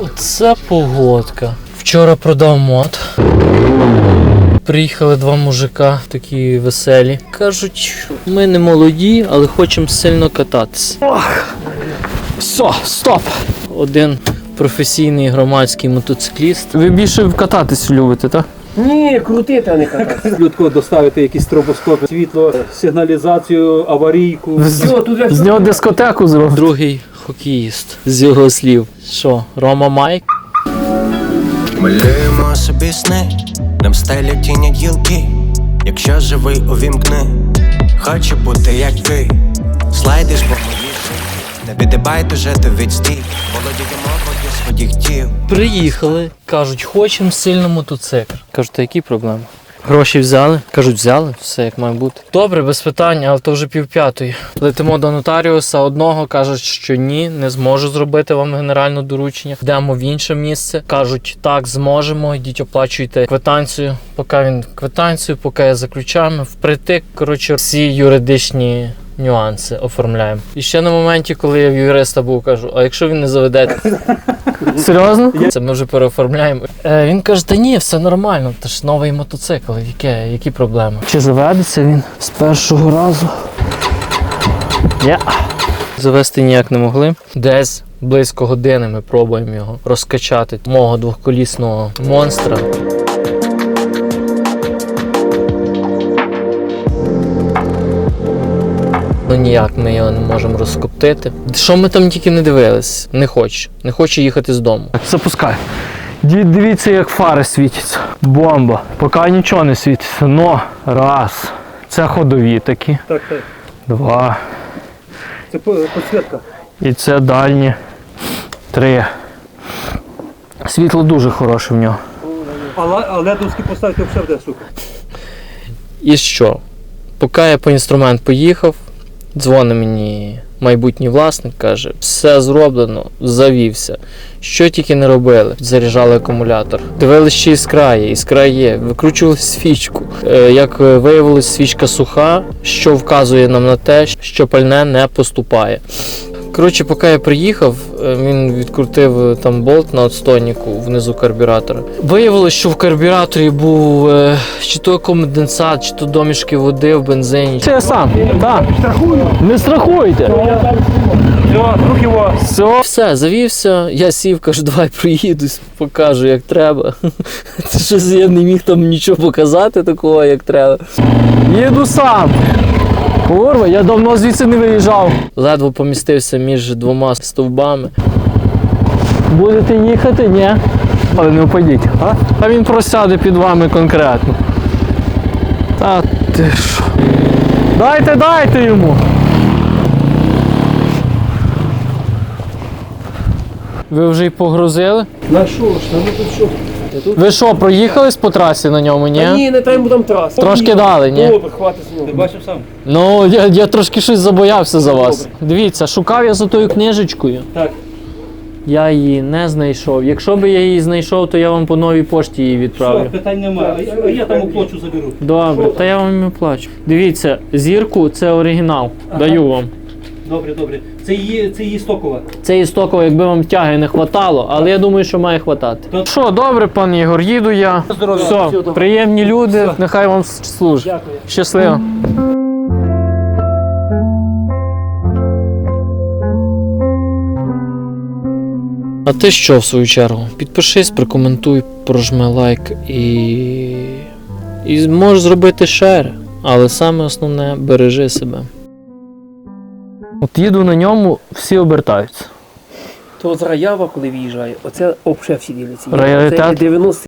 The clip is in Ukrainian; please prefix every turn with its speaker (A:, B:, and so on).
A: Оце погодка. Вчора продав мод. Приїхали два мужика, такі веселі. Кажуть, ми не молоді, але хочемо сильно кататися. Все, стоп! Один професійний громадський мотоцикліст. Ви більше кататись любите, так?
B: Ні, крутити, а не кататися.
C: Швидко доставити якісь стробоскопи, світло, сигналізацію, аварійку.
A: З нього дискотеку зробив. Другий хокеїст, з його слів. Що, Рома Майк?
D: Малюємо собі сни, нам стелять тіні гілки. Якщо живий, увімкни. Хочу бути як ти. Слайдиш по моїй шиї. Не підибай жити відстій. Володіємо воді своїх тіл.
A: Приїхали, кажуть, хочемо сильно мотоцикл. Кажуть, а які проблеми? Гроші взяли? Кажуть, взяли, все як має бути. Добре, без питань, але то вже 4:30. Летимо до нотаріуса одного, кажуть, що ні, не зможу зробити вам генеральне доручення. Йдемо в інше місце. Кажуть, так, зможемо, йдіть оплачуйте квитанцію. Поки він квитанцію, поки я за ключами, впритик, коротше, всі юридичні нюанси оформляємо. І ще на моменті, коли я в юриста був, кажу, а якщо він не заведе? Серйозно? Це ми вже переоформляємо. Він каже, та ні, все нормально, це ж новий мотоцикл, які проблеми? Чи заведеться він з першого разу? Ні. Завести ніяк не могли. Десь близько години ми пробуємо його розкачати, мого двохколісного монстра. Ну ніяк ми його не можемо розкоптити. Що ми там тільки не дивились? Не хоче їхати з дому. Запускай. Дивіться, як фари світяться. Бомба. Поки нічого не світиться. Но, раз. Це ходові такі.
C: Так.
A: Два.
C: Це підсвітка.
A: І це дальні. 3. Світло дуже хороше в нього.
C: А ледовські поставити взагалі буде, сука.
A: І що? Поки я по інструмент поїхав, дзвонить мені майбутній власник, каже, все зроблено, завівся. Що тільки не робили. Заряджали акумулятор. Дивилися, ще іскра є. Викручували свічку. Як виявилось, свічка суха, що вказує нам на те, що пальне не поступає. Коротше, поки я приїхав, він відкрутив там болт на отстойнику внизу карбюратора. Виявилось, що в карбюраторі був чи то конденсат, чи то домішки води в бензині. Це я сам, так. Не страхуйте.
C: Рух його.
A: Все, завівся, я сів, кажу, давай проїдусь, покажу, як треба. Щось я не міг там нічого показати такого, як треба. Їду сам. Курва, я давно звідси не виїжджав. Ледве помістився між двома стовбами. Будете їхати? Ні. Але не впадіть. А він просяде під вами конкретно. Та ти що? Дайте йому. Ви вже й погрузили?
B: На що ж, ну тут що?
A: Ви що, проїхались по трасі на ньому, ні?
B: Та ні, не треба там трасу.
A: Трошки дали, ні?
B: Добре, хватить з нього.
C: Ти бачив сам?
A: Ну, я трошки щось забоявся за вас. Дивіться, шукав я за тою книжечкою.
C: Так.
A: Я її не знайшов. Якщо б я її знайшов, то я вам по новій пошті її відправлю.
C: Питань немає. А я там оплачу заберу.
A: Добре, та я вам і плачу. Дивіться, зірку це оригінал. Даю вам.
C: Добре. Це її стокова.
A: Це істокова, якби вам тяги не хватало, але я думаю, що має хватати. Що, добре, пан Ігор, їду я. Все, приємні люди, нехай вам служить.
B: Дякую.
A: Щасливо. А ти що, в свою чергу? Підпишись, прокоментуй, прожми лайк і можеш зробити шер. Але саме основне, бережи себе. От їду на ньому, всі обертаються.
B: То з Раява, коли в'їжджає, оце взагалі всі діляться.
A: Раритет?
B: Це 90